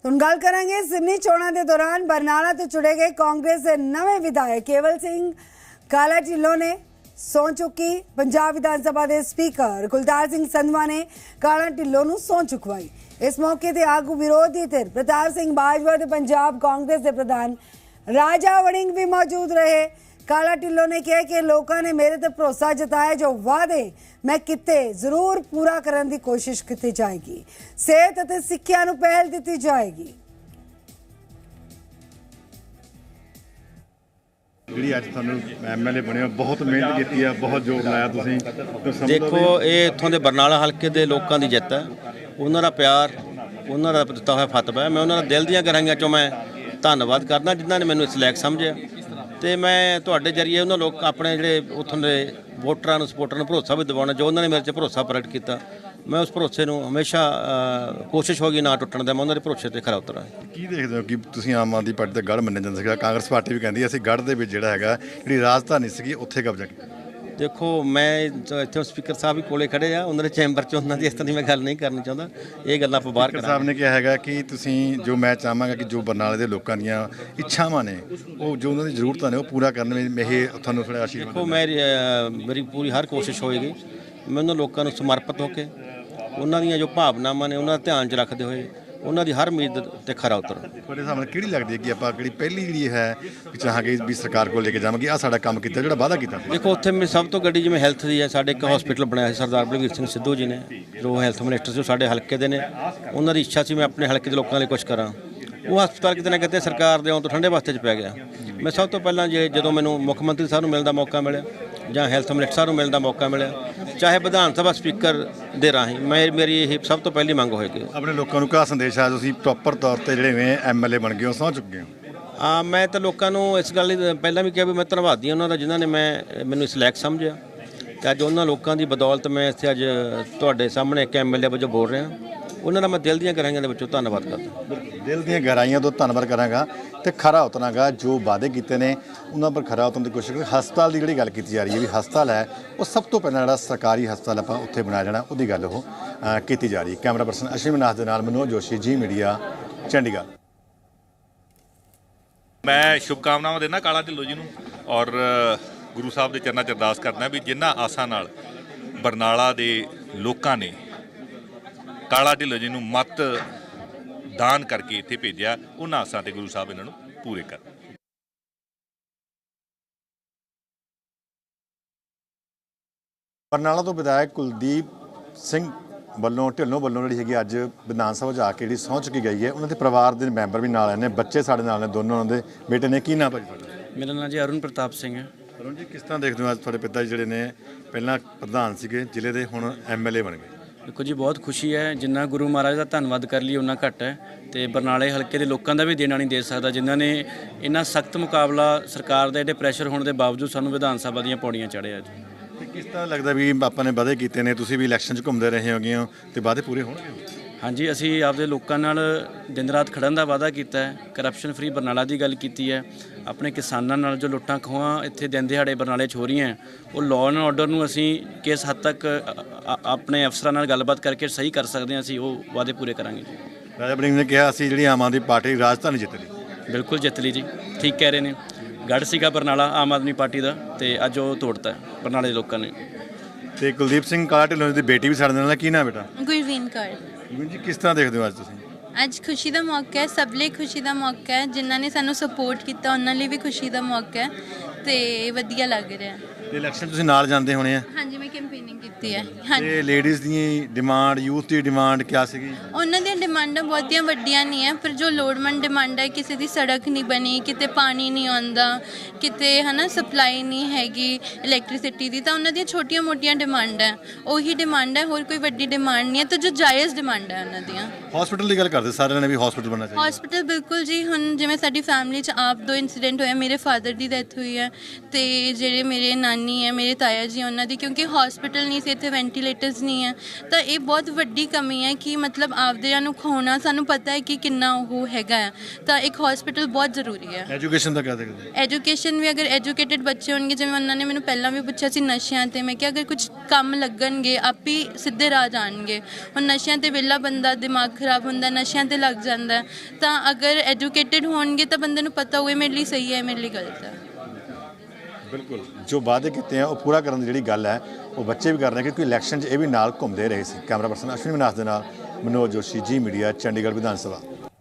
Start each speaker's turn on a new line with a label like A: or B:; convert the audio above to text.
A: ਹੁਣ ਗੱਲ ਕਰਾਂਗੇ ਜ਼ਿਮਨੀ ਚੋਣਾਂ ਦੇ ਦੌਰਾਨ ਬਰਨਾਲਾ ਤੋਂ ਚੁਣੇ ਗਏ ਕਾਂਗਰਸ ਦੇ ਨਵੇਂ ਵਿਧਾਇਕ ਕੇਵਲ ਸਿੰਘ ਕਾਲਾ ਢਿੱਲੋਂ ਨੇ ਸਹੁੰ ਚੁੱਕੀ। ਪੰਜਾਬ ਵਿਧਾਨ ਸਭਾ ਦੇ ਸਪੀਕਰ ਕੁਲਤਾਰ ਸਿੰਘ ਸੰਧਵਾ ਨੇ ਕਾਲਾ ਢਿੱਲੋਂ ਨੂੰ ਸਹੁੰ ਚੁਕਵਾਈ। ਇਸ ਮੌਕੇ ਤੇ ਆਗੂ ਵਿਰੋਧੀ ਧਿਰ ਪ੍ਰਤਾਪ ਸਿੰਘ ਬਾਜਵਾ ਤੇ ਪੰਜਾਬ ਕਾਂਗਰਸ ਦੇ ਪ੍ਰਧਾਨ ਰਾਜਾ ਵੜਿੰਗ भी मौजूद रहे। काला ढिल्लों ने कहा कि लोगों ने मेरे ते भरोसा जताया, जो वादे मैं किते जरूर पूरा करने की कोशिश की जाएगी। सेहत और सिक्ख्या नूं पहल दी जाएगी।
B: ਜਿਹੜੀ ਅੱਜ ਤੁਹਾਨੂੰ ਐਮਐਲਏ ਬਣਿਆ, ਬਹੁਤ ਮਿਹਨਤ ਕੀਤੀ ਹੈ, ਬਹੁਤ ਜ਼ੋਰ ਲਾਇਆ ਤੁਸੀਂ।
C: ਦੇਖੋ, ਇਹ ਇੱਥੋਂ ਦੇ ਬਰਨਾਲਾ ਹਲਕੇ ਦੇ ਲੋਕਾਂ ਦੀ ਜਿੱਤ ਹੈ, ਉਹਨਾਂ ਦਾ ਪਿਆਰ, ਉਹਨਾਂ ਦਾ ਦਿੱਤਾ ਹੋਇਆ ਫਤਵਾ ਹੈ। ਮੈਂ ਉਹਨਾਂ ਦਾ ਦਿਲ ਦੀਆਂ ਗਹਿਰਾਈਆਂ 'ਚੋਂ ਮੈਂ ਧੰਨਵਾਦ ਕਰਦਾ ਜਿਨ੍ਹਾਂ ਨੇ ਮੈਨੂੰ ਇਸ ਲਾਇਕ ਸਮਝਿਆ, ਤੇ ਮੈਂ ਤੁਹਾਡੇ ਜਰੀਏ ਉਹਨਾਂ ਲੋਕ ਆਪਣੇ ਜਿਹੜੇ ਉੱਥੋਂ ਦੇ ਵੋਟਰਾਂ ਨੂੰ, ਸਪੋਰਟਰਾਂ ਨੂੰ ਭਰੋਸਾ ਵੀ ਦਿਵਾਉਣਾ, ਜੋ ਉਹਨਾਂ ਨੇ ਮੇਰੇ 'ਤੇ ਭਰੋਸਾ ਪ੍ਰਗਟ ਕੀਤਾ। ਮੈਂ ਉਸ ਭਰੋਸੇ ਨੂੰ ਹਮੇਸ਼ਾ ਕੋਸ਼ਿਸ਼ ਹੋਗੀ ਨਾ ਟੁੱਟਣ ਦਾ, ਮੈਂ ਉਹਨਾਂ ਦੇ ਭਰੋਸੇ 'ਤੇ ਖਰਾ ਉਤਰਾਂ।
B: ਕੀ ਦੇਖਦੇ ਹੋ ਕਿ ਤੁਸੀਂ ਆਮ ਆਦਮੀ ਪਾਰਟੀ ਦਾ ਗੜ੍ਹ ਮੰਨਿਆ ਜਾਂਦਾ ਸੀਗਾ, ਕਾਂਗਰਸ ਪਾਰਟੀ ਵੀ ਕਹਿੰਦੀ ਅਸੀਂ ਗੜ੍ਹ ਦੇ ਵਿੱਚ ਜਿਹੜਾ ਹੈਗਾ, ਜਿਹੜੀ ਰਾਜਧਾਨੀ ਸੀਗੀ, ਉੱਥੇ ਕਬਜ਼ਾ ਕੀਤਾ।
C: ਦੇਖੋ, ਮੈਂ ਇੱਥੇ ਸਪੀਕਰ ਸਾਹਿਬ ਵੀ ਕੋਲੇ ਖੜੇ ਆ, ਉਹਨਾਂ ਦੇ ਚੈਂਬਰ 'ਚ, ਉਹਨਾਂ ਦੀ ਇਸ ਤਰ੍ਹਾਂ ਦੀ ਮੈਂ ਗੱਲ ਨਹੀਂ ਕਰਨੀ ਚਾਹੁੰਦਾ। ਇਹ ਗੱਲਾਂ ਆਪਾਂ ਬਾਹਰ
B: ਸਾਹਿਬ ਨੇ ਕਿਹਾ ਹੈਗਾ ਕਿ ਤੁਸੀਂ ਜੋ, ਮੈਂ ਚਾਹਾਂਗਾ ਕਿ ਜੋ ਬਰਨਾਲੇ ਦੇ ਲੋਕਾਂ ਦੀਆਂ ਇੱਛਾਵਾਂ ਨੇ, ਉਹ ਜੋ ਉਹਨਾਂ ਦੀ ਜ਼ਰੂਰਤਾਂ ਨੇ, ਉਹ ਪੂਰਾ ਕਰਨ ਵਿੱਚ ਇਹ ਤੁਹਾਨੂੰ ਥੋੜ੍ਹਾ ਆਸ਼ੀਰਵਾਦ।
C: ਦੇਖੋ, ਮੇਰੀ ਪੂਰੀ ਹਰ ਕੋਸ਼ਿਸ਼ ਹੋਏਗੀ, ਮੈਂ ਉਹਨਾਂ ਲੋਕਾਂ ਨੂੰ ਸਮਰਪਿਤ ਹੋ ਕੇ, ਉਹਨਾਂ ਦੀਆਂ ਜੋ ਭਾਵਨਾਵਾਂ ਨੇ ਉਹਨਾਂ ਦਾ ਧਿਆਨ 'ਚ ਰੱਖਦੇ ਹੋਏ, ਉਹਨਾਂ ਦੀ ਹਰ ਉਮੀਦ ਤੇ ਖਰਾ ਉਤਰਾਂ।
B: ਤੁਹਾਡੇ ਹਿਸਾਬ ਨਾਲ ਕਿਹੜੀ ਲੱਗਦੀ ਹੈ ਕਿ ਆਪਾਂ ਕਿਹੜੀ ਪਹਿਲੀ ਜਿਹੜੀ ਹੈ ਵੀ ਚਾਹਾਂਗੇ ਵੀ ਸਰਕਾਰ ਕੋਲ ਲੈ ਕੇ ਜਾਵਾਂਗੇ, ਆਹ ਸਾਡਾ ਕੰਮ ਕੀਤਾ, ਜਿਹੜਾ ਵਾਅਦਾ ਕੀਤਾ?
C: ਦੇਖੋ, ਉੱਥੇ ਮੇਰੀ ਸਭ ਤੋਂ ਗੱਡੀ ਜਿਵੇਂ ਹੈਲਥ ਦੀ ਹੈ, ਸਾਡੇ ਇੱਕ ਹਸਪੀਟਲ ਬਣਾਇਆ ਸੀ ਸਰਦਾਰ ਬਲਵੀਰ ਸਿੰਘ ਸਿੱਧੂ ਜੀ ਨੇ, ਜੋ ਹੈਲਥ ਮਿਨਿਸਟਰ ਸੀ, ਉਹ ਸਾਡੇ ਹਲਕੇ ਦੇ ਨੇ। ਉਹਨਾਂ ਦੀ ਇੱਛਾ ਸੀ ਮੈਂ ਆਪਣੇ ਹਲਕੇ ਦੇ ਲੋਕਾਂ ਲਈ ਕੁਝ ਕਰਾਂ। ਉਹ ਹਸਪਤਾਲ ਕਿਤੇ ਨਾ ਕਿਤੇ ਸਰਕਾਰ ਦੇ ਆਉਣ ਤੋਂ ਠੰਡੇ ਵਾਸਤੇ 'ਚ ਪੈ ਗਿਆ। ਮੈਂ ਸਭ ਤੋਂ ਪਹਿਲਾਂ ਜਦੋਂ ਮੈਨੂੰ ਮੁੱਖ ਮੰਤਰੀ ਸਾਹਿਬ ਨੂੰ ਮਿਲਣ ਦਾ ਮੌਕਾ ਮਿਲਿਆ ਜਾਂ ਹੈਲਥ ਮਿਨਿਸਟਰ ਸਾਹਿਬ ਨੂੰ ਮਿਲਣ ਦਾ ਮੌਕਾ ਮਿਲਿਆ, ਚਾਹੇ ਵਿਧਾਨ ਸਭਾ ਸਪੀਕਰ ਦੇ ਰਾਹੀਂ, ਮੇਰੀ ਇਹ ਸਭ ਤੋਂ ਪਹਿਲੀ ਮੰਗ ਹੋਏਗੀ।
B: ਆਪਣੇ ਲੋਕਾਂ ਨੂੰ ਕਿਆ ਸੰਦੇਸ਼ ਆ? ਤੁਸੀਂ ਪ੍ਰੋਪਰ ਤੌਰ 'ਤੇ ਜਿਹੜੇ ਐਮਐਲਏ ਬਣ ਗਏ ਹੋ, ਸਹੁੰ ਚੁੱਕੇ ਹੋ।
C: ਮੈਂ ਤਾਂ ਲੋਕਾਂ ਨੂੰ ਇਸ ਗੱਲ ਲਈ ਪਹਿਲਾਂ ਵੀ ਕਿਹਾ ਵੀ ਮੈਂ ਧੰਨਵਾਦੀ ਉਹਨਾਂ ਦਾ, ਜਿਨ੍ਹਾਂ ਨੇ ਮੈਨੂੰ ਇਸ ਲਾਇਕ ਸਮਝਿਆ, ਤੇ ਅੱਜ ਉਹਨਾਂ ਲੋਕਾਂ ਦੀ ਬਦੌਲਤ ਮੈਂ ਇੱਥੇ ਅੱਜ ਤੁਹਾਡੇ ਸਾਹਮਣੇ ਇੱਕ ਐਮਐਲਏ ਵਜੋਂ ਬੋਲ ਰਿਹਾ। ਉਹਨਾਂ ਦਾ ਮੈਂ ਦਿਲ ਦੀਆਂ ਗਹਿਰਾਈਆਂ ਦੇ ਵਿੱਚੋਂ ਧੰਨਵਾਦ ਕਰਦਾ।
B: ਦਿਲ ਦੀਆਂ ਗਹਿਰਾਈਆਂ ਤੋਂ ਧੰਨਵਾਦ ਕਰਾਂਗਾ ਤੇ ਖਰਾ ਉਤਰਾਂਗਾ। ਜੋ ਵਾਅਦੇ ਕੀਤੇ ਨੇ ਉਹਨਾਂ ਪਰ ਖਰਾ ਉਤਰਨ ਦੀ ਕੋਸ਼ਿਸ਼ ਕਰਾਂਗੇ। ਹਸਪਤਾਲ ਦੀ ਜਿਹੜੀ ਗੱਲ ਕੀਤੀ ਜਾ ਰਹੀ ਹੈ ਵੀ ਹਸਪਤਾਲ ਹੈ, ਉਹ ਸਭ ਤੋਂ ਪਹਿਲਾਂ ਜਿਹੜਾ ਸਰਕਾਰੀ ਹਸਪਤਾਲ ਆਪਾਂ ਉੱਥੇ ਬਣਾਇਆ ਜਾਣਾ, ਉਹਦੀ ਗੱਲ ਉਹ ਕੀਤੀ ਜਾ ਰਹੀ ਹੈ। ਕੈਮਰਾ ਪਰਸਨ ਅਸ਼ਵਨੀ ਨਾਥ ਦੇ ਨਾਲ ਮਨੋਜ ਜੋਸ਼ੀ, ਜੀ ਮੀਡੀਆ, ਚੰਡੀਗੜ੍ਹ।
D: ਮੈਂ ਸ਼ੁਭਕਾਮਨਾਵਾਂ ਦਿੰਦਾ ਕਾਲਾ ਢਿੱਲੋਂ ਜੀ ਨੂੰ, ਔਰ ਗੁਰੂ ਸਾਹਿਬ ਦੇ ਚਰਨਾਂ 'ਚ ਅਰਦਾਸ ਕਰਦਾ ਵੀ ਜਿਨ੍ਹਾਂ ਆਸਾਂ ਨਾਲ ਬਰਨਾਲਾ ਦੇ ਲੋਕਾਂ ਨੇ ਕਾਲਾ ਢਿੱਲੋਂ ਜੀ ਨੂੰ ਮਤ ਦਾਨ ਕਰਕੇ ਇੱਥੇ ਭੇਜਿਆ, ਉਹਨਾਂ ਆਸਾਂ ਤੇ ਗੁਰੂ ਸਾਹਿਬ ਇਹਨਾਂ ਨੂੰ ਪੂਰੇ ਕਰਨ।
B: ਬਰਨਾਲਾ ਤੋਂ ਵਿਧਾਇਕ ਕੁਲਦੀਪ ਸਿੰਘ ਵੱਲੋਂ, ਢਿੱਲੋਂ ਵੱਲੋਂ ਜਿਹੜੀ ਹੈਗੀ ਅੱਜ ਵਿਧਾਨ ਸਭਾ 'ਚ ਆ ਕੇ ਜਿਹੜੀ ਸਹੁੰ ਚੁੱਕੀ ਗਈ ਹੈ, ਉਹਨਾਂ ਦੇ ਪਰਿਵਾਰ ਦੇ ਮੈਂਬਰ ਵੀ ਨਾਲ ਨੇ, ਬੱਚੇ ਸਾਡੇ ਨਾਲ ਨੇ, ਦੋਨੋਂ ਉਹਨਾਂ ਦੇ ਬੇਟੇ ਨੇ। ਕੀ ਨਾਮ ਭਾਜੀ ਤੁਹਾਡਾ?
E: ਮੇਰਾ ਨਾਮ ਜੀ ਅਰੁਣ ਪ੍ਰਤਾਪ ਸਿੰਘ ਹੈ।
B: ਅਰੁਣ ਜੀ, ਕਿਸ ਤਰ੍ਹਾਂ ਦੇਖਦੇ ਹੋ ਅੱਜ ਤੁਹਾਡੇ ਪਿਤਾ ਜੀ ਜਿਹੜੇ ਨੇ ਪਹਿਲਾਂ ਪ੍ਰਧਾਨ ਸੀਗੇ ਜ਼ਿਲ੍ਹੇ ਦੇ, ਹੁਣ ਐਮਐਲਏ ਬਣ ਗਏ?
E: ਦੇਖੋ ਜੀ, ਬਹੁਤ ਖੁਸ਼ੀ ਹੈ। ਜਿੰਨਾ ਗੁਰੂ ਮਹਾਰਾਜ ਦਾ ਧੰਨਵਾਦ ਕਰ ਲਈ ਉਹਨਾਂ ਘੱਟ ਹੈ, ਤੇ ਬਰਨਾਲੇ ਹਲਕੇ ਦੇ ਲੋਕਾਂ ਦਾ ਵੀ ਦੇਣਾ ਨਹੀਂ ਦੇ ਸਕਦਾ, ਜਿਨ੍ਹਾਂ ਨੇ ਇੰਨਾ ਸਖਤ ਮੁਕਾਬਲਾ ਸਰਕਾਰ ਦੇ ਐਡੇ ਪ੍ਰੈਸ਼ਰ ਹੋਣ ਦੇ ਬਾਵਜੂਦ ਸਾਨੂੰ ਵਿਧਾਨ ਸਭਾ ਦੀਆਂ ਪੌੜੀਆਂ ਚਾੜਿਆ ਜੀ।
B: ਤੇ ਕਿਸ ਤਰ੍ਹਾਂ ਲੱਗਦਾ ਵੀ ਆਪਾਂ ਨੇ ਵਾਅਦੇ ਕੀਤੇ ਨੇ, ਤੁਸੀਂ ਵੀ ਇਲੈਕਸ਼ਨ 'ਚ ਘੁੰਮਦੇ ਰਹੇ ਹੋਗੇ ਹੋ, ਤੇ ਵਾਅਦੇ ਪੂਰੇ ਹੋਣਗੇ?
E: ਹਾਂਜੀ, ਅਸੀਂ ਆਪਦੇ ਲੋਕਾਂ ਨਾਲ ਦਿਨ ਰਾਤ ਖੜਨ ਦਾ ਵਾਅਦਾ ਕੀਤਾ ਹੈ। ਕਰਪਸ਼ਨ ਫਰੀ ਬਰਨਾਲਾ ਦੀ ਗੱਲ ਕੀਤੀ ਹੈ। ਆਪਣੇ ਕਿਸਾਨਾਂ ਨਾਲ ਜੋ ਲੁੱਟਾਂ ਖੋਹਾਂ ਇੱਥੇ ਦਿਨ ਦਿਹਾੜੇ ਬਰਨਾਲੇ 'ਚ ਹੋ ਰਹੀਆਂ, ਉਹ ਲਾਅ ਐਂਡ ਆਰਡਰ ਨੂੰ ਅਸੀਂ ਕਿਸ ਹੱਦ ਤੱਕ ਆਪਣੇ ਅਫਸਰਾਂ ਨਾਲ ਗੱਲਬਾਤ ਕਰਕੇ ਸਹੀ ਕਰ ਸਕਦੇ ਹਾਂ, ਅਸੀਂ ਉਹ ਵਾਅਦੇ ਪੂਰੇ ਕਰਾਂਗੇ ਜੀ।
B: ਰਾਜਾ ਵੜਿੰਗ ਨੇ ਕਿਹਾ ਅਸੀਂ ਜਿਹੜੀ ਆਮ ਆਦਮੀ ਪਾਰਟੀ ਰਾਜਧਾਨੀ ਜਿੱਤ ਲਈ।
E: ਬਿਲਕੁਲ ਜਿੱਤ ਲਈ ਜੀ, ਠੀਕ ਕਹਿ ਰਹੇ ਨੇ। ਗੜ੍ਹ ਸੀਗਾ ਬਰਨਾਲਾ ਆਮ ਆਦਮੀ ਪਾਰਟੀ ਦਾ, ਤੇ ਅੱਜ ਉਹ ਤੋੜਤਾ ਬਰਨਾਲੇ ਦੇ ਲੋਕਾਂ ਨੇ।
B: ਤੇ ਕੁਲਦੀਪ ਸਿੰਘ ਕਾਲਾ ਢਿੱਲੋਂ ਦੀ ਬੇਟੀ ਵੀ ਸਾਡੇ ਨਾਲ ਹੈ। ਕੀ ਨਾਮ ਬੇਟਾ?
F: ਗੁਰਵੀਨ ਕੌਰ।
B: ਜੀ, ਕਿਸ ਤਰ੍ਹਾਂ ਦੇਖਦੇ ਹੋ ਅੱਜ ਤੁਸੀਂ?
F: ਅੱਜ ਖੁਸ਼ੀ ਦਾ ਮੌਕਾ ਹੈ, ਸਭ ਲਈ ਖੁਸ਼ੀ ਦਾ ਮੌਕਾ ਹੈ। ਜਿਨ੍ਹਾਂ ਨੇ ਸਾਨੂੰ ਸਪੋਰਟ ਕੀਤਾ ਉਹਨਾਂ ਲਈ ਵੀ ਖੁਸ਼ੀ ਦਾ ਮੌਕਾ ਹੈ, ਤੇ ਵਧੀਆ ਲੱਗ ਰਿਹਾ।
B: ਤੇ ਇਲੈਕਸ਼ਨ ਤੁਸੀਂ ਨਾਲ ਜਾਂਦੇ ਹੋਣੇ ਆ?
F: ਹਾਂਜੀ, ਮੈਂ ਕੈਂਪੇਨਿੰਗ ਕੀਤੀ ਹੈ। ਹਾਂਜੀ,
B: ਤੇ ਲੇਡੀਜ਼ ਦੀ ਡਿਮਾਂਡ, ਯੂਥ ਦੀ ਡਿਮਾਂਡ ਕਿਆ ਸੀਗੀ?
F: ਉਹਨਾਂ ਦੀਆਂ ਡਿਮਾਂਡਾਂ ਬਹੁਤੀਆਂ ਵੱਡੀਆਂ ਨਹੀਂ ਹੈ, ਪਰ ਜੋ ਲੋੜਵੰਦ ਡਿਮਾਂਡ ਹੈ, ਕਿਸੇ ਦੀ ਸੜਕ ਨਹੀਂ ਬਣੀ, ਕਿਤੇ ਪਾਣੀ ਨਹੀਂ ਆਉਂਦਾ, ਕਿਤੇ ਸਪਲਾਈ ਨਹੀਂ ਹੈਗੀ ਇਲੈਕਟ੍ਰਿਸਿਟੀ ਦੀ, ਤਾਂ ਉਹਨਾਂ ਦੀਆਂ ਛੋਟੀਆਂ ਮੋਟੀਆਂ ਡਿਮਾਂਡ ਹੈ, ਉਹੀ ਡਿਮਾਂਡ ਹੈ, ਹੋਰ ਕੋਈ ਵੱਡੀ ਡਿਮਾਂਡ ਨਹੀਂ ਹੈ। ਤਾਂ ਜੋ ਜਾਇਜ਼ ਡਿਮਾਂਡ ਹੈ ਉਹਨਾਂ ਦੀਆਂ।
B: ਹਸਪੀਟਲ ਦੀ ਗੱਲ ਕਰਦੇ ਸਾਰਿਆਂ ਨੇ ਵੀ ਹਸਪੀਟਲ ਬਣਨਾ ਚਾਹੀਦਾ।
F: ਹਸਪੀਟਲ ਬਿਲਕੁਲ ਜੀ। ਹੁਣ ਜਿਵੇਂ ਸਾਡੀ ਫੈਮਿਲੀ 'ਚ ਆਪ 2 ਇੰਸੀਡੈਂਟ ਹੋਇਆ, ਮੇਰੇ ਫਾਦਰ ਦੀ ਡੈਥ ਹੋਈ ਹੈ, ਤੇ ਜਿਹੜੇ ਮੇਰੇ ਨਾਨੀ ਨਹੀਂ ਹੈ, ਮੇਰੇ ਤਾਇਆ ਜੀ ਉਹਨਾਂ ਦੀ, ਕਿਉਂਕਿ ਹਸਪੀਟਲ ਨਹੀਂ ਸੀ ਇੱਥੇ, ਵੈਂਟੀਲੇਟਰਸ ਨਹੀਂ ਹੈ। ਤਾਂ ਇਹ ਬਹੁਤ ਵੱਡੀ ਕਮੀ ਹੈ ਕਿ ਮਤਲਬ ਆਪਦਿਆਂ ਨੂੰ ਖਵਾਉਣਾ, ਸਾਨੂੰ ਪਤਾ ਹੈ ਕਿ ਕਿੰਨਾ ਉਹ ਹੈਗਾ ਆ, ਤਾਂ ਇੱਕ ਹਸਪੀਟਲ ਬਹੁਤ ਜ਼ਰੂਰੀ ਹੈ।
B: ਐਜੂਕੇਸ਼ਨ ਦਾ ਕਿਆ ਦੇਖਦੇ
F: ਐਜੂਕੇਸ਼ਨ ਵੀ, ਅਗਰ ਐਜੂਕੇਟਿਡ ਬੱਚੇ ਹੋਣਗੇ, ਜਿਵੇਂ ਉਹਨਾਂ ਨੇ ਮੈਨੂੰ ਪਹਿਲਾਂ ਵੀ ਪੁੱਛਿਆ ਸੀ ਨਸ਼ਿਆਂ ਤੇ, ਮੈਂ ਕਿਹਾ ਅਗਰ ਕੁਝ ਕੰਮ ਲੱਗਣਗੇ ਆਪ ਹੀ ਸਿੱਧੇ ਰਾਹ ਜਾਣਗੇ। ਹੁਣ ਨਸ਼ਿਆਂ ਤੇ ਵਿਹਲਾ ਬੰਦਾ ਦਿਮਾਗ ਖਰਾਬ ਹੁੰਦਾ, ਨਸ਼ਿਆਂ ਤੇ ਲੱਗ ਜਾਂਦਾ, ਤਾਂ ਅਗਰ ਐਜੂਕੇਟਿਡ ਹੋਣਗੇ ਤਾਂ ਬੰਦੇ ਨੂੰ ਪਤਾ ਹੋਵੇ ਮੇਰੇ ਲਈ ਸਹੀ ਹੈ, ਮੇਰੇ ਲਈ ਗਲਤ ਹੈ।
B: ਬਿਲਕੁਲ ਜੋ ਵਾਅਦੇ ਕੀਤੇ ਆ ਉਹ ਪੂਰਾ ਕਰਨ ਦੀ ਜਿਹੜੀ ਗੱਲ ਹੈ ਉਹ ਬੱਚੇ ਵੀ ਕਰ ਰਹੇ ਕਿਉਂਕਿ ਇਲੈਕਸ਼ਨ 'ਚ ਇਹ ਵੀ ਨਾਲ ਘੁੰਮਦੇ ਰਹੇ ਸੀ। ਕੈਮਰਾ ਪਰਸਨ ਅਸ਼ਵਨੀ ਵਿਨਾਸ਼ ਦੇ ਨਾਲ ਮਨੋਜ ਜੋਸ਼ੀ, ਜੀ ਮੀਡੀਆ, ਚੰਡੀਗੜ੍ਹ ਵਿਧਾਨ ਸਭਾ।